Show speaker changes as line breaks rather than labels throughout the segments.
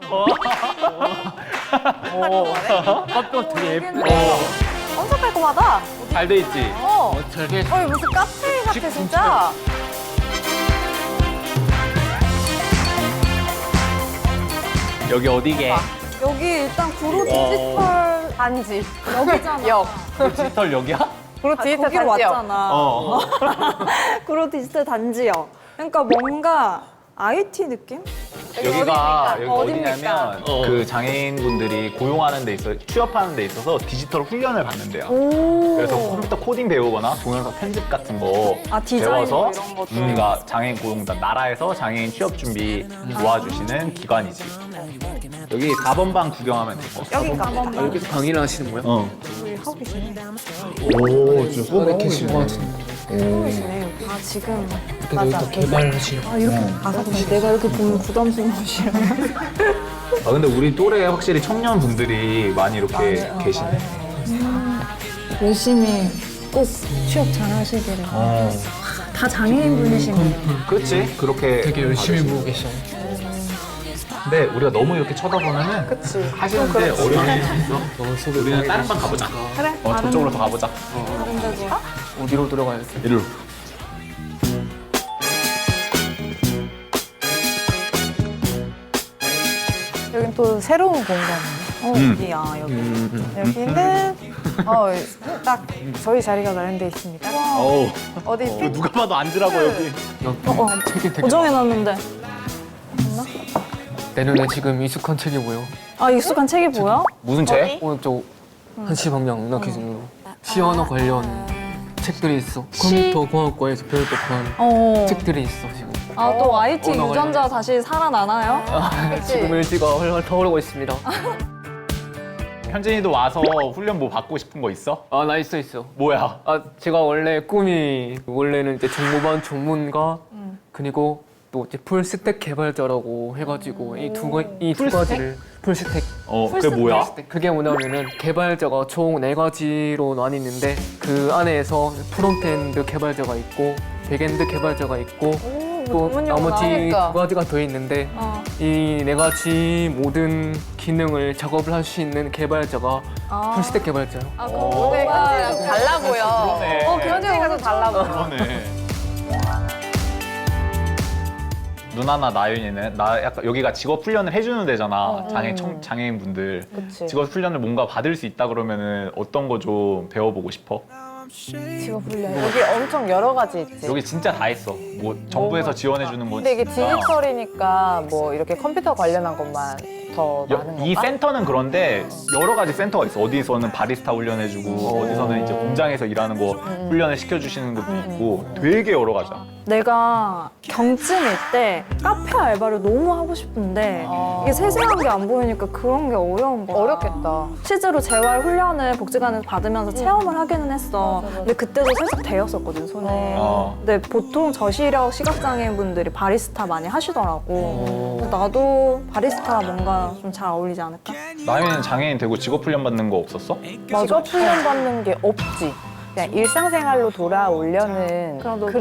컵도 되게 예쁘고
엄청 깔끔하다.
잘 돼 있지?
되게
무슨 카페 같아 진짜.
여기 어디게?
여기 일단 구로 디지털 단지 여기잖아. 역.
디지털 여기야?
구로 디지털
거기로
단지역.
왔잖아.
구로 디지털 단지역. 그러니까 뭔가 IT 느낌?
여기가 여기
어딥니까?
어디냐면 그 장애인분들이 고용하는 데 있어 취업하는 데 있어서 디지털 훈련을 받는데요. 그래서 컴퓨터 코딩 배우거나 동영상 편집 같은 거
디자인
배워서
이런 것도.
우리가 장애인 고용단 나라에서 장애인 취업 준비 도와주시는 기관이지. 여기 4번 방 구경하면 될 것 같아.
여긴가?
여기서 강의를 하시는 거예요?
하고 계시네.
오, 좀 수업에 계신 것 같은데.
아 지금
그래서 또 개발하시는
이렇게 내가 이렇게 보면 부담스러운 것이야.
아 근데 우리 또래 확실히 청년분들이 많이 이렇게 계시네.
열심히 꼭 취업 잘 하시기를. 다 장애인 분이시네.
그렇지? 그렇게
되게 열심히 보고 계셔.
근데 우리가 너무 이렇게 쳐다보면은 하시는데 어려움이 있어.
너무 속을
우리는 다른 방 가보자.
그래?
저쪽으로 더 가보자.
다른 데도.
어디로 들어가야 돼?
이리로.
여긴 또 새로운 공간이네. 여기야, 여기. 여기는 딱 저희 자리가 마련되어 있습니다.
어우.
어디
이거 누가 봐도 앉으라고 여기.
책이 되게
고정해놨는데.
내 눈에 지금 익숙한 책이 보여.
아 익숙한 책이 뭐야?
무슨 책?
오른쪽 한시 방향 문화 기준으로 시언어 관련 책들이 있어. 컴퓨터 공학과에서 배울 법한 책들이 있어 지금.
아 또 IT
언어
유전자 다시 살아나나요?
지금 일지가 훨훨 타오르고 있습니다.
현진이도 와서 훈련 뭐 받고 싶은 거 있어?
아, 나 있어.
뭐야?
아, 제가 원래 꿈이 원래는 이제 정보반 전문가 그리고 또 이제 풀스택 개발자라고 해가지고 이 두 가지를 풀스택.
그게 뭐야?
그게 뭐냐면은 개발자가 총 4가지로 나뉘는데 그 안에서 프론트엔드 개발자가 있고 백엔드 개발자가 있고 또 나머지
그러니까.
2가지가 더 있는데 이 4가지 모든 기능을 작업을 할 수 있는 개발자가 풀스택 개발자예요.
아
오늘 현지가 좀 달라 보여.
그러네.
현지가 좀 달라 보여.
그러네. 누나나 나윤이는 나 약간 여기가 직업 훈련을 해주는 데잖아. 장애인분들
그치.
직업 훈련을 뭔가 받을 수 있다 그러면은 어떤 거 좀 배워보고 싶어?
직업 훈련. 여기 엄청 여러 가지 있지.
여기 진짜 다 있어. 뭐 정부에서 지원해주는 거.
근데 이게
진짜.
디지털이니까 뭐 이렇게 컴퓨터 관련한 것만 더 많은
이
건가?
센터는 그런데 여러 가지 센터가 있어. 어디서는 바리스타 훈련해주고 어디서는 이제 공장에서 일하는 거 훈련을 시켜주시는 것도 있고 되게 여러 가지야.
내가 경증일 때 카페 알바를 너무 하고 싶은데 이게 세세한 게 안 보이니까 그런 게 어려운 거야.
어렵겠다.
실제로 재활 훈련을 복지관에서 받으면서 체험을 하기는 했어. 근데 그때도 살짝 데였었거든 손에. 근데 보통 저시력 시각장애인분들이 바리스타 많이 하시더라고. 그래서 나도 바리스타 뭔가 좀 잘 어울리지 않을까?
나윤이는 장애인 되고 직업 훈련 받는 거 없었어?
직업 훈련 받는 게 없지. 그냥 일상생활로 돌아오려는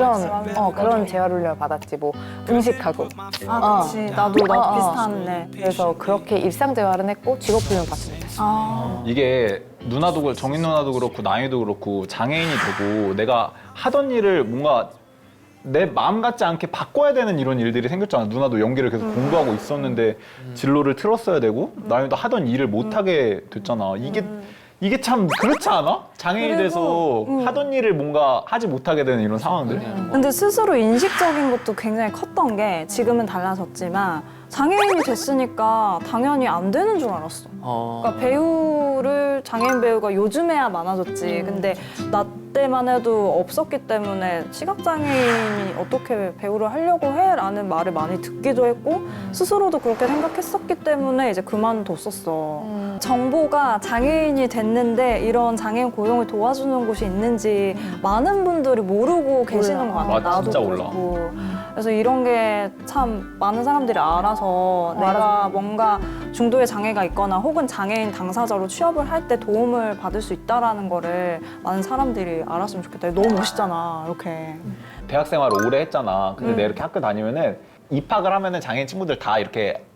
그런 재활 훈련을 받았지. 뭐 음식하고.
아, 그치. 나도 비슷한데.
그래서 그렇게 일상 재활은 했고 직업 훈련 받지 못했어.
이게 누나도 정인 누나도 그렇고 나윤이도 그렇고 장애인이 되고 내가 하던 일을 뭔가 내 마음 같지 않게 바꿔야 되는 이런 일들이 생겼잖아. 누나도 연기를 계속 공부하고 있었는데 진로를 틀었어야 되고 나윤이도 하던 일을 못하게 됐잖아. 이게 참 그렇지 않아? 장애인이 돼서 하던 일을 뭔가 하지 못하게 되는 이런 상황들.
근데 스스로 인식적인 것도 굉장히 컸던 게 지금은 달라졌지만 장애인이 됐으니까 당연히 안 되는 줄 알았어. 그러니까 배우를 장애인 배우가 요즘에야 많아졌지. 근데 나 때만 해도 없었기 때문에 시각장애인이 어떻게 배우를 하려고 해? 라는 말을 많이 듣기도 했고 스스로도 그렇게 생각했었기 때문에 이제 그만뒀었어. 정보가 장애인이 됐는데 이런 장애인 고용을 도와주는 곳이 있는지 많은 분들이 모르고 계시는 것 같아.
맞아,
나도
진짜 몰라.
그렇고. 그래서 이런 게 참 많은 사람들이 알아서 내가 뭔가 중도의 장애가 있거나 혹은 장애인 당사자로 취업을 할 때 도움을 받을 수 있다는 거를 많은 사람들이 알았으면 좋겠다. 너무 멋있잖아, 이렇게.
대학 생활을 오래 했잖아. 근데 내가 이렇게 학교 다니면은 입학을 하면은 장애인 친구들 다 이렇게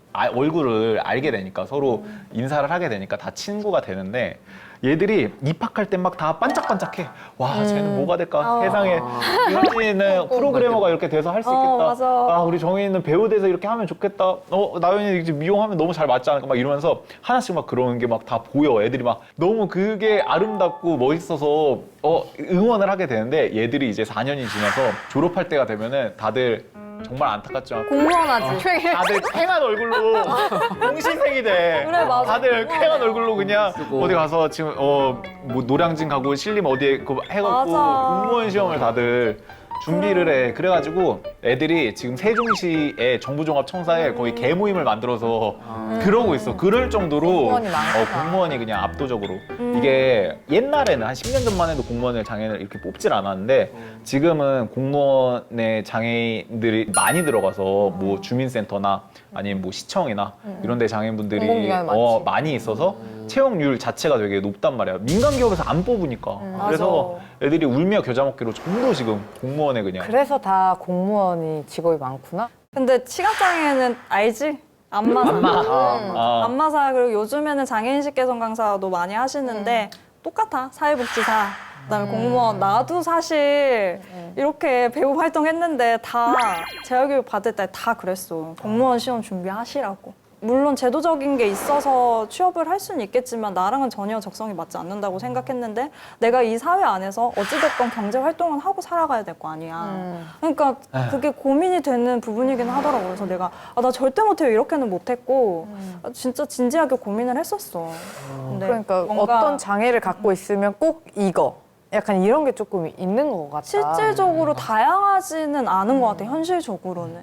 얼굴을 알게 되니까 서로 인사를 하게 되니까 다 친구가 되는데 얘들이 입학할 때 막 다 반짝반짝해. 와, 쟤는 뭐가 될까? 세상에. 현진이는 프로그래머가 이렇게 돼서 할 수 있겠다.
맞아.
아, 우리 정인이는 배우 돼서 이렇게 하면 좋겠다. 나연이 이제 미용하면 너무 잘 맞지 않을까? 막 이러면서 하나씩 막 그러는 게 막 다 보여. 애들이 막 너무 그게 아름답고 멋있어서 응원을 하게 되는데 얘들이 이제 4년이 지나서 졸업할 때가 되면은 다들 정말 안타깝지만
공무원하지.
다들 쾌한 얼굴로 공시생이 돼.
그래, 맞아.
다들 쾌한 얼굴로 그냥
쓰고.
어디 가서 지금 뭐 노량진 가고 신림 어디에 해갖고
맞아.
공무원 시험을 다들 준비를 해. 그래가지고 애들이 지금 세종시의 정부종합청사에 거의 개모임을 만들어서 그러고 있어. 그럴 정도로
공무원이 많구나.
공무원이 그냥 압도적으로 이게 옛날에는 한 10년 전만 해도 공무원을 장애인을 이렇게 뽑질 않았는데 지금은 공무원의 장애인들이 많이 들어가서 뭐 주민센터나 아니면 뭐 시청이나 이런 데 장애인분들이
공공기관이 많지.
많이 있어서 채용률 자체가 되게 높단 말이야. 민간 기업에서 안 뽑으니까. 그래서 애들이 울며 겨자 먹기로 전부 지금 공무원에 그냥.
그래서 다 공무원이 직업이 많구나.
근데 시각장애는 알지? 안마사.
아.
안마사 그리고 요즘에는 장애인식 개선 강사도 많이 하시는데 똑같아. 사회복지사. 그다음에 공무원. 나도 사실 이렇게 배우 활동했는데 다 재활교육 받을 때 다 그랬어. 공무원 시험 준비하시라고. 물론 제도적인 게 있어서 취업을 할 수는 있겠지만 나랑은 전혀 적성이 맞지 않는다고 생각했는데 내가 이 사회 안에서 어찌됐건 경제 활동은 하고 살아가야 될 거 아니야. 그러니까 그게 고민이 되는 부분이긴 하더라고. 그래서 내가 나 절대 못해요 이렇게는 못했고 진짜 진지하게 고민을 했었어. 근데
그러니까
뭔가
어떤 장애를 갖고 있으면 꼭 이거. 약간 이런 게 조금 있는 것 같다.
실질적으로 다양하지는 않은 것 같아. 현실적으로는.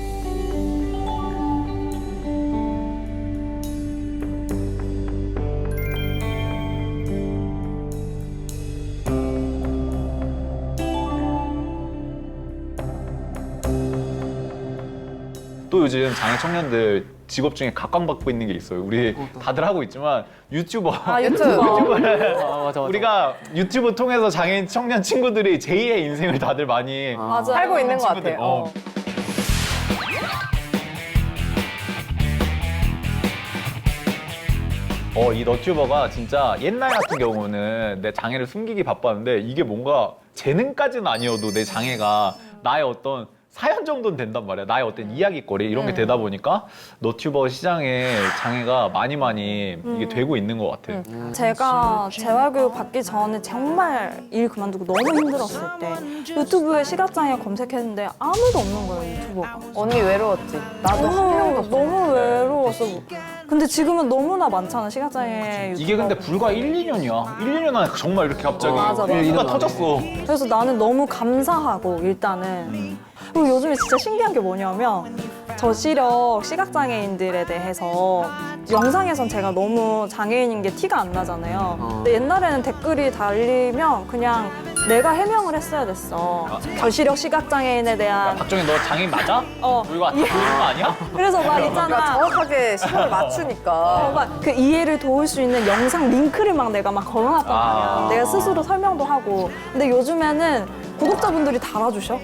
또 요즘 장애 청년들 직업 중에 각광받고 있는 게 있어요. 우리 다들 하고 있지만 유튜버. 유튜버를
맞아.
우리가 유튜브 통해서 장애인 청년 친구들이 제2의 인생을 다들 많이
맞아.
살고 있는 것
친구들.
같아요.
이 너튜버가 진짜 옛날 같은 경우는 내 장애를 숨기기 바빴는데 이게 뭔가 재능까지는 아니어도 내 장애가 나의 어떤 사연 정도는 된단 말이야. 나의 어떤 이야기거리 이런 게 되다 보니까 너튜버 시장에 장애가 많이 이게 되고 있는 것 같아.
제가 재활교육 받기 전에 정말 일 그만두고 너무 힘들었을 때 유튜브에 시각장애 검색했는데 아무도 없는 거예요, 유튜버가.
언니 외로웠지. 나도 한 명도 없어.
너무 외로웠어. 근데 지금은 너무나 많잖아, 시각장애 유튜버.
이게 근데 불과 1, 2년이야. 1, 2년 안에 정말 이렇게 갑자기
맞아.
불가 터졌어.
그래서 나는 너무 감사하고 일단은 그리고 요즘에 진짜 신기한 게 뭐냐면 저시력 시각장애인들에 대해서 영상에선 제가 너무 장애인인 게 티가 안 나잖아요. 근데 옛날에는 댓글이 달리면 그냥 내가 해명을 했어야 됐어. 저시력 시각장애인에 대한
박정희 너 장애인 맞아? 이거 다 보이는 거 아니야?
그래서 막
그러니까
있잖아.
정확하게 시간을 맞추니까.
막 그 이해를 도울 수 있는 영상 링크를 막 내가 막 걸어놨단 말이야. 내가 스스로 설명도 하고. 근데 요즘에는 구독자분들이 달아주셔.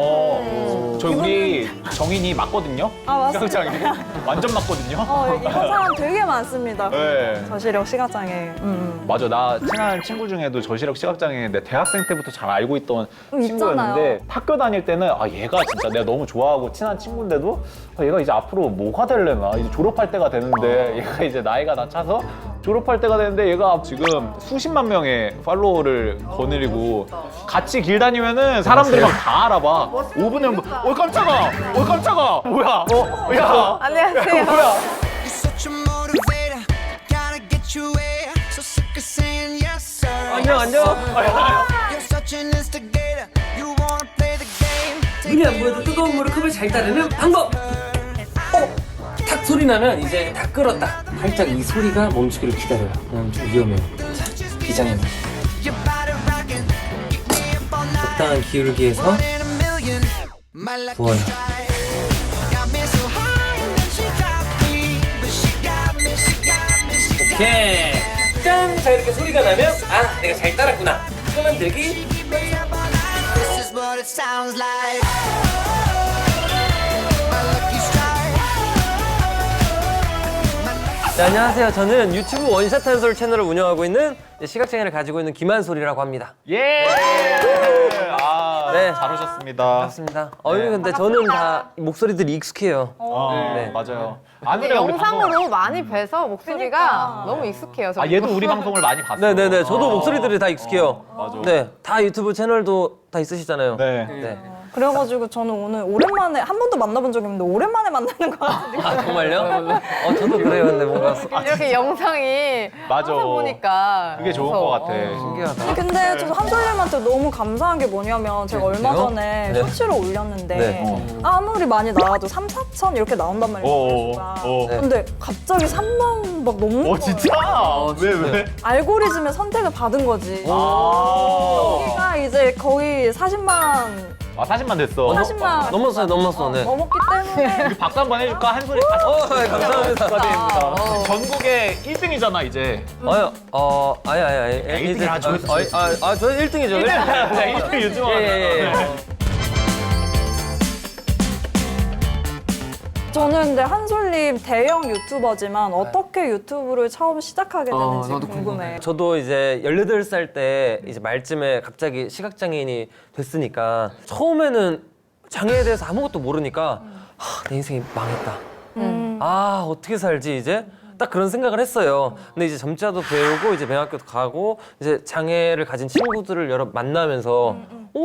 저 우리 정인이 맞거든요?
맞습니다.
시각장애 완전 맞거든요?
이런 사람 되게 많습니다.
네.
저시력 시각장애.
맞아. 나 친한 친구 중에도 저시력 시각장애인데 대학생 때부터 잘 알고 있던 친구였는데 학교 다닐 때는 얘가 진짜 내가 너무 좋아하고 친한 친구인데도 얘가 이제 앞으로 뭐가 될래나 이제 졸업할 때가 되는데 얘가 이제 나이가 다 차서 졸업할 때가 되는데 얘가 지금 수십만 명의 팔로워를 거느리고 같이 길 다니면은 사람들이 막 다 알아봐. 5분에 깜짝아! 깜짝아! 뭐야? 야!
안녕하세요.
뭐야?
You're such a motivator. Gotta get you where. So sick of saying yes, sir.
안녕.
You're such an instigator. You wanna play the game.
눈이 안 보여도 뜨거운 물을 컵에 잘 따르는 방법! 탁 소리 나면 이제 다 끓었다. 살짝 이 소리가 멈추기를 기다려요. 그럼 좀 위험해요. 자, 비장의 맛.
Your body rocking. Keep me up all night.
적당한 기울기에서
One in a million. My lucky
부어요.
strike. Got me so high and then she got me. But she got me, she got me, she got me.
오케이. 짠! 자, 이렇게 소리가 나면 내가 잘 따랐구나. 그러면 되기.
Keep me up all night. This is what it sounds like. My lucky strike.
네, 안녕하세요. 저는 유튜브 원샷 한솔 채널을 운영하고 있는 시각장애를 가지고 있는 김한솔이라고 합니다.
예! 아,
네.
잘 오셨습니다.
반갑습니다. 근데 저는 다 목소리들이 익숙해요.
네, 맞아요.
근데
아누리가 우리
영상으로
방송...
많이 뵈서 목소리가 너무 익숙해요.
아, 얘도 우리 방송을 많이 봤어요.
네네네. 저도 목소리들이 다 익숙해요.
맞아.
네, 다 유튜브 채널도 다 있으시잖아요.
네.
네.
그래가지고 저는 오늘 오랜만에 한 번도 만나본 적이 없는데 오랜만에 만나는 것 같은데.
아, 정말요? 저도 그래요. 근데 뭔가
이렇게 영상이
맞아.
항상 보니까
그게 좋은
무서워.
것 같아.
신기하다.
근데 저도 한솔님한테 너무 감사한 게 뭐냐면 제가 얼마
그래요?
전에
네.
쇼츠를 올렸는데
네.
아무리 많이 나와도 3, 4천 이렇게 나온단 말이에요. 조회수가.
네.
근데 갑자기 3만 막 넘는 거예요.
진짜? 왜?
알고리즘의 선택을 받은 거지.
아,
여기가 이제 거의 40만
40만 됐어.
40만
넘었어. 네.
넘었기 때문에
우리 박수 한번 해줄까? 한 소리
네, 감사합니다.
축하드립니다. 전국의 1등이잖아, 이제.
아니.
1등을 아주
저 1등이죠.
1등 요즘
예.
저는 근데 한솔님 대형 유튜버지만 어떻게 유튜브를 처음 시작하게 되는지
나도
궁금해.
저도 이제 18살 때 이제 말쯤에 갑자기 시각장애인이 됐으니까 처음에는 장애에 대해서 아무것도 모르니까 내 인생이 망했다. 어떻게 살지 이제? 딱 그런 생각을 했어요. 근데 이제 점자도 배우고 이제 맹학교도 가고 이제 장애를 가진 친구들을 여러 만나면서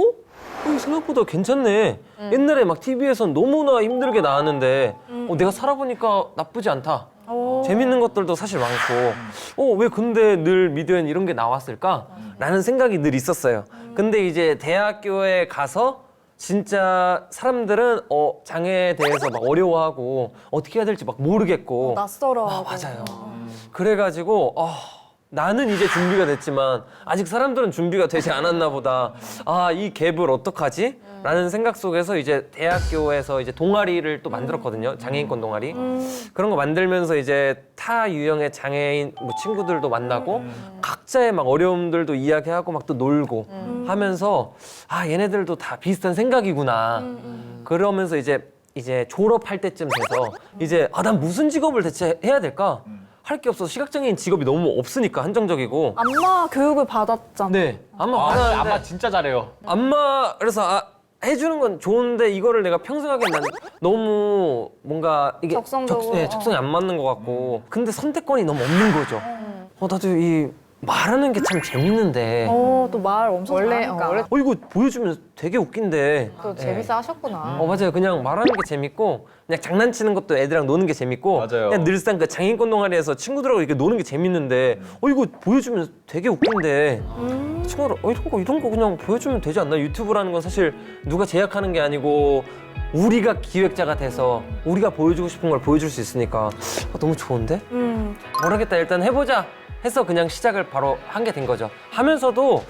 생각보다 괜찮네. 옛날에 막 TV에선 너무나 힘들게 나왔는데 내가 살아보니까 나쁘지 않다. 재밌는 것들도 사실 많고 왜 근데 늘 미디어엔 이런 게 나왔을까? 라는 생각이 늘 있었어요. 근데 이제 대학교에 가서 진짜 사람들은 장애에 대해서 막 어려워하고 어떻게 해야 될지 막 모르겠고
낯설어하고.
맞아요. 그래가지고 나는 이제 준비가 됐지만 아직 사람들은 준비가 되지 않았나 보다. 이 갭을 어떡하지? 라는 생각 속에서 이제 대학교에서 이제 동아리를 또 만들었거든요. 장애인권 동아리. 그런 거 만들면서 이제 타 유형의 장애인 뭐 친구들도 만나고 각자의 막 어려움들도 이야기하고 막 또 놀고 하면서 얘네들도 다 비슷한 생각이구나. 그러면서 이제 졸업할 때쯤 돼서 이제 난 무슨 직업을 대체 해야 될까? 할 게 없어서 시각장애인 직업이 너무 없으니까 한정적이고.
안마 교육을 받았잖아.
네. 받았는데
아마 진짜 잘해요.
그래서 해주는 건 좋은데 이거를 내가 평생 하기엔 난 너무 뭔가 이게
적성적으로,
적성이 안 맞는 것 같고 근데 선택권이 너무 없는 거죠. 나도 이 말하는 게 참 재밌는데
또 말 엄청
원래
잘하니까.
이거 보여주면 되게 웃긴데
또 재밌어 하셨구나.
맞아요. 그냥 말하는 게 재밌고 그냥 장난치는 것도 애들이랑 노는 게 재밌고
맞아요.
그냥 늘상 그 장애인권 동아리에서 친구들하고 이렇게 노는 게 재밌는데 이거 보여주면 되게 웃긴데 친구들 이런 거 그냥 보여주면 되지 않나? 유튜브라는 건 사실 누가 제약하는 게 아니고 우리가 기획자가 돼서 우리가 보여주고 싶은 걸 보여줄 수 있으니까 너무 좋은데? 모르겠다. 일단 해보자 해서 그냥 시작을 바로 한 게 된 거죠. 하면서도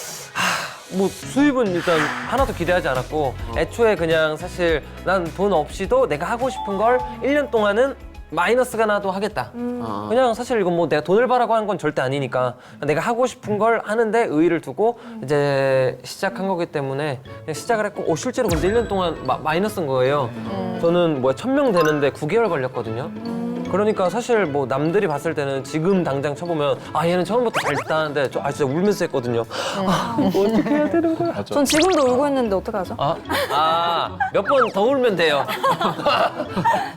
뭐 수입은 일단 하나도 기대하지 않았고 애초에 그냥 사실 난 돈 없이도 내가 하고 싶은 걸 1년 동안은 마이너스가 나도 하겠다. 그냥 사실 이건 뭐 내가 돈을 벌라고 하는 건 절대 아니니까 내가 하고 싶은 걸 하는데 의의를 두고 이제 시작한 거기 때문에 그냥 시작을 했고 실제로 근데 1년 동안 마이너스인 거예요. 저는 1000명 되는데 9개월 걸렸거든요. 그러니까 사실 뭐 남들이 봤을 때는 지금 당장 쳐보면 얘는 처음부터 잘 따는데 진짜 울면서 했거든요. 뭐 어떻게 해야 되는 거야?
전 지금도 울고 있는데 어떡하죠?
몇 번 더 울면 돼요.